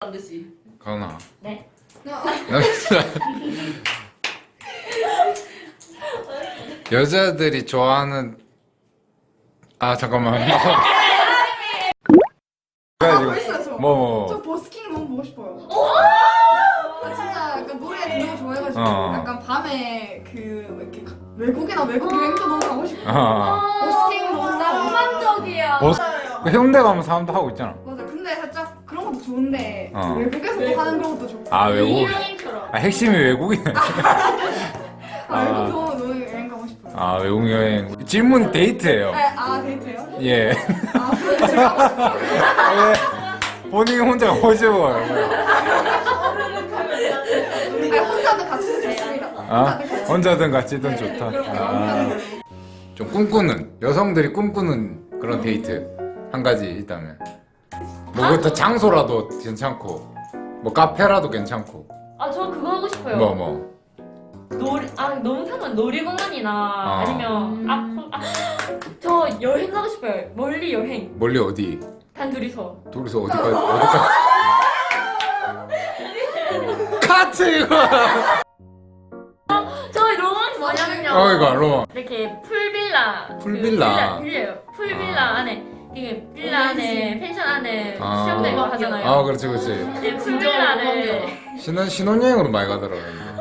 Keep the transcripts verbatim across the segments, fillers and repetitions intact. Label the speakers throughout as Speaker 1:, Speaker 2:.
Speaker 1: 듯이.
Speaker 2: 가은아.
Speaker 3: 네.
Speaker 2: 여자들이 좋아하는 아 잠깐만.
Speaker 4: 아, 벌써 저.
Speaker 2: 뭐 뭐.
Speaker 4: 저 버스킹 너무 보고 싶어요. 아, 진짜 약간 노래 너무 좋아해가지고
Speaker 2: 어.
Speaker 4: 약간 밤에 그 이렇게 가- 외국이나 외국 여행도 너무 가고 싶어.
Speaker 2: 아.
Speaker 4: 버스킹 너무
Speaker 3: 아, 낭만적이야.
Speaker 2: 버스 그 해운대 가면 사람도 하고 있잖아.
Speaker 4: 맞아. 근데 살짝 그런 것도 좋은데
Speaker 2: 어.
Speaker 4: 외국에서 하는 그런 것도 좋고.
Speaker 2: 아 외국.
Speaker 3: 여행처럼.
Speaker 2: 아 핵심이 외국이네.
Speaker 4: 아, 외국 너무 너무 여행 가고 싶어요.
Speaker 2: 아 외국 여행. 질문이 데이트예요.
Speaker 4: 네, 아 데이트요?
Speaker 2: 예.
Speaker 4: 아 그럼 제가
Speaker 2: 왜 본인이 혼자 오시고요?
Speaker 4: 아니, 혼자도 같이 좋습니다.
Speaker 2: 아
Speaker 4: 혼자도 같이.
Speaker 2: 혼자든 같이든
Speaker 4: 네,
Speaker 2: 좋다.
Speaker 4: 그렇게
Speaker 2: 아.
Speaker 4: 마음편으로.
Speaker 2: 좀 꿈꾸는 여성들이 꿈꾸는 그런 데이트 한 가지 있다면 뭐 그것도 장소라도 괜찮고 뭐 카페라도 괜찮고
Speaker 3: 아, 저 그거 하고 싶어요.
Speaker 2: 뭐 뭐.
Speaker 3: 놀이, 아, 농사는 놀이공원이나
Speaker 2: 아.
Speaker 3: 아니면 앞, 아, 저 여행 가고 싶어요. 멀리 여행.
Speaker 2: 멀리 어디?
Speaker 3: 단 둘이서.
Speaker 2: 둘이서 어디까지 어디까지? 카트 이거.
Speaker 3: 저 로망이 뭐냐면요.
Speaker 2: 어 이거 로마.
Speaker 3: 이렇게 풀빌라. 그
Speaker 2: 풀빌라.
Speaker 3: 빌라, 빌려요. 풀빌라
Speaker 2: 아.
Speaker 3: 안에 이게 빌라 안에 펜션 안에
Speaker 2: 아.
Speaker 3: 수영되고 하잖아요.
Speaker 2: 아 그렇지 그렇지.
Speaker 3: 네, 풀빌라 안에.
Speaker 2: 신혼 신혼여행으로 많이 가더라고요.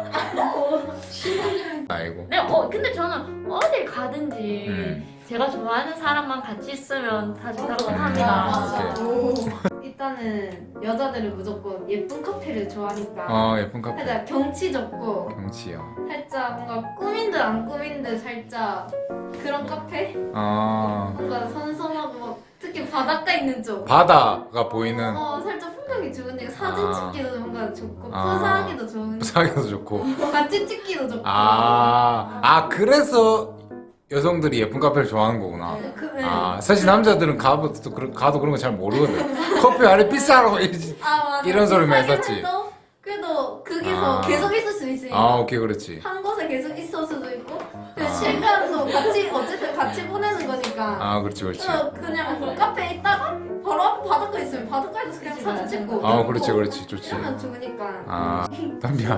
Speaker 2: 아이고.
Speaker 3: 네, 어 근데 저는 어딜 가든지
Speaker 2: 음.
Speaker 3: 제가 좋아하는 사람만 같이 있으면 다 좋다고
Speaker 2: 음.
Speaker 3: 합니다.
Speaker 2: 오케이.
Speaker 4: 오.
Speaker 5: 일단은 여자들은 무조건 예쁜 카페를 좋아하니까
Speaker 2: 어 예쁜 카페.
Speaker 5: 살짝 경치 좋고
Speaker 2: 경치요.
Speaker 5: 살짝 뭔가 꾸민 듯 안 꾸민 듯 살짝 그런 카페?
Speaker 2: 아
Speaker 5: 뭔가 선선하고 막 특히 바닷가 있는 쪽
Speaker 2: 바다가 보이는.
Speaker 5: 어 살짝 풍경이 좋으니까 사진
Speaker 2: 아.
Speaker 5: 찍기도 뭔가 좋고
Speaker 2: 아.
Speaker 5: 푸사하기도 좋은
Speaker 2: 사기도 좋고.
Speaker 5: 같이 찍기도 좋고
Speaker 2: 아, 아 그래서 여성들이 예쁜 카페를 좋아하는 거구나.
Speaker 5: 네, 그, 네.
Speaker 2: 아 사실 남자들은 가도 또 그런- 가도 그런 거 잘 모르거든. 커피 아래 비싸라고 이러지.
Speaker 5: 아, 맞아.
Speaker 2: 이런 소리만
Speaker 5: 비싸긴
Speaker 2: 했었지.
Speaker 5: 해도 그래도 거기서
Speaker 2: 아.
Speaker 5: 계속 있을 수 있으니까
Speaker 2: 아 오케이 그렇지.
Speaker 5: 한 곳에 계속 있을 수도 있고 그
Speaker 2: 아.
Speaker 5: 시간도 같이 어쨌든 같이 보내는 거니까
Speaker 2: 아 그렇지 그렇지.
Speaker 5: 어, 그냥 카페에 있다가 바로 앞 바닷가 있으면 바닷가에서 그냥 사진 찍고
Speaker 2: 아 그렇지 그렇지 좋지.
Speaker 5: 이러면 좋으니까
Speaker 2: 아 담비야.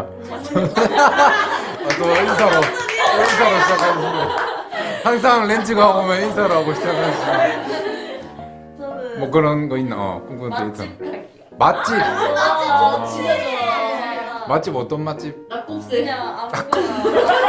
Speaker 2: 아, 또 인사로 인사로 시작하시고 항상 렌즈가 오면 인사를 하고 시작하시고
Speaker 1: 저는
Speaker 2: 뭐 그런 거 있나? 어 꿈꾸는 데이트.
Speaker 1: 맛집 갈게요.
Speaker 2: 맛집.
Speaker 1: 아, 진짜
Speaker 5: 네.
Speaker 1: 좋아해요.
Speaker 2: 맛집 어떤 맛집?
Speaker 1: 낙곱새.
Speaker 5: 그냥 아무거나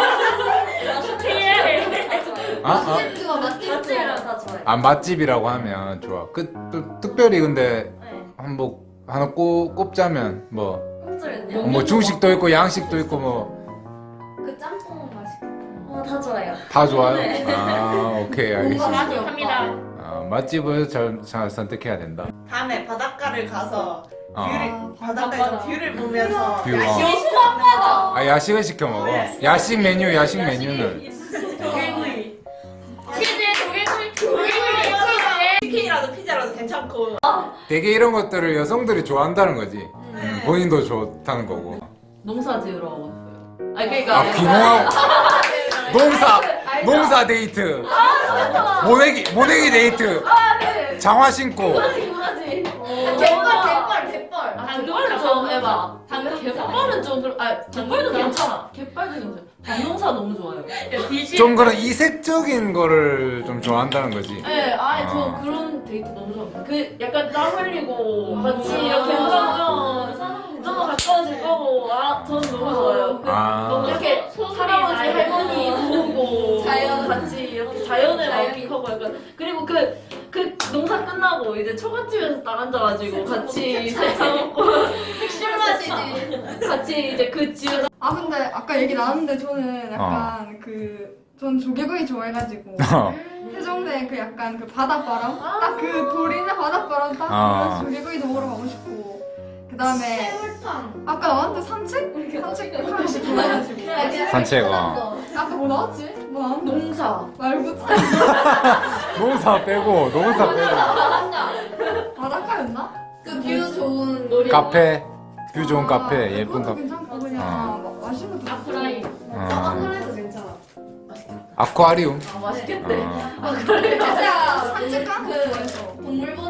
Speaker 2: 아, 아.
Speaker 5: 맛집도 맛집도
Speaker 1: 맛집이랑 다 좋아해요.
Speaker 2: 아 맛집이라고 하면 좋아. 그 또, 특별히 근데
Speaker 1: 네.
Speaker 2: 한뭐 하나 꼽, 꼽자면 뭐 뭐
Speaker 1: 꼽자면요.
Speaker 2: 중식도 있고 양식도 있고 뭐 다
Speaker 5: 그 짬뽕 맛있겠다
Speaker 1: 어, 다 좋아요.
Speaker 2: 좋아요.
Speaker 1: 네.
Speaker 2: 아 오케이 알겠습니다.
Speaker 3: 맛집합니다.
Speaker 2: 아, 맛집을 잘, 잘 선택해야 된다.
Speaker 6: 밤에 바닷가를 가서
Speaker 2: 어.
Speaker 6: 뷰를 바닷가에서 뷰를 보면서
Speaker 2: 뷰, 어.
Speaker 6: 야식
Speaker 2: 아 야식을 시켜 먹어. 야식 메뉴 야식 메뉴는
Speaker 3: 독일구이. 치즈 독일구이. 독일구이.
Speaker 6: 치킨이라도 피자라도 괜찮고
Speaker 2: 되게 이런 것들을 여성들이 좋아한다는 거지. 음, 본인도 좋다는 거고.
Speaker 1: 농사 지으러 가고 싶어요. 아 그러니까
Speaker 2: 아 귀농하고 농사 농사 데이트. 모내기 모내기 데이트. 장화 신고.
Speaker 5: 갯벌 갯벌 갯벌
Speaker 1: 아, 갯벌은 좀 해봐. 당 갯벌은 좀 그럼 아 갯벌도 괜찮아. 갯벌도 괜찮아. 밭농사 너무 좋아요.
Speaker 2: 좀 그런 이색적인 거를 좀 좋아한다는 거지.
Speaker 1: 네, 아예
Speaker 2: 아.
Speaker 1: 저 그런 데이트 너무 좋아합니다. 그 약간 땀 흘리고 같이 이렇게 하면 좀 더 가까워질 거고 아 저는 너무 좋아요. 그
Speaker 2: 아.
Speaker 1: 너무 이렇게 할아버지 할머니 보고
Speaker 5: 자연.
Speaker 1: 같이 이렇게 자연을 만끽하고 약간 그리고 그 그 농사 끝나고 이제 초가집에서 딱 앉아가지고 같이 살짝 먹고
Speaker 5: 술 마시지
Speaker 1: 같이 이제 그 집에서
Speaker 4: 아 근데 아까 얘기 나왔는데 저는
Speaker 2: 어.
Speaker 4: 약간 그 전 조개구이 좋아해가지고 해종대 그 약간 그 바닷바람 딱 그 돌 있는 바닷바람 딱
Speaker 2: 아.
Speaker 4: 그 조개구이도 먹으러 가고 싶고 그 다음에
Speaker 5: 해물탕
Speaker 4: 아까 나왔는데 산책? 산책 하는 거 좋아해가지고
Speaker 2: 산책, 어.
Speaker 4: 아까 뭐 나왔지? 뭐 나왔는데?
Speaker 1: 농사
Speaker 4: 말고
Speaker 2: 농사 빼고 농사 빼고
Speaker 4: 바닷가였나?
Speaker 5: 그 뷰 좋은
Speaker 1: 놀이
Speaker 2: 카페 뷰 좋은
Speaker 4: 아,
Speaker 2: 카페 예쁜
Speaker 4: 그것도
Speaker 2: 카페.
Speaker 4: 괜찮고 그냥
Speaker 2: 어.
Speaker 4: 마- 맛있는 것도
Speaker 3: 아프라인.
Speaker 2: 어.
Speaker 5: 아무래도 괜찮아
Speaker 2: 아쿠아리움.
Speaker 1: 아 맛있겠네.
Speaker 2: 어.
Speaker 5: 진짜
Speaker 4: 산책 가는 거
Speaker 5: 그
Speaker 4: 좋아해서
Speaker 5: 동물 보는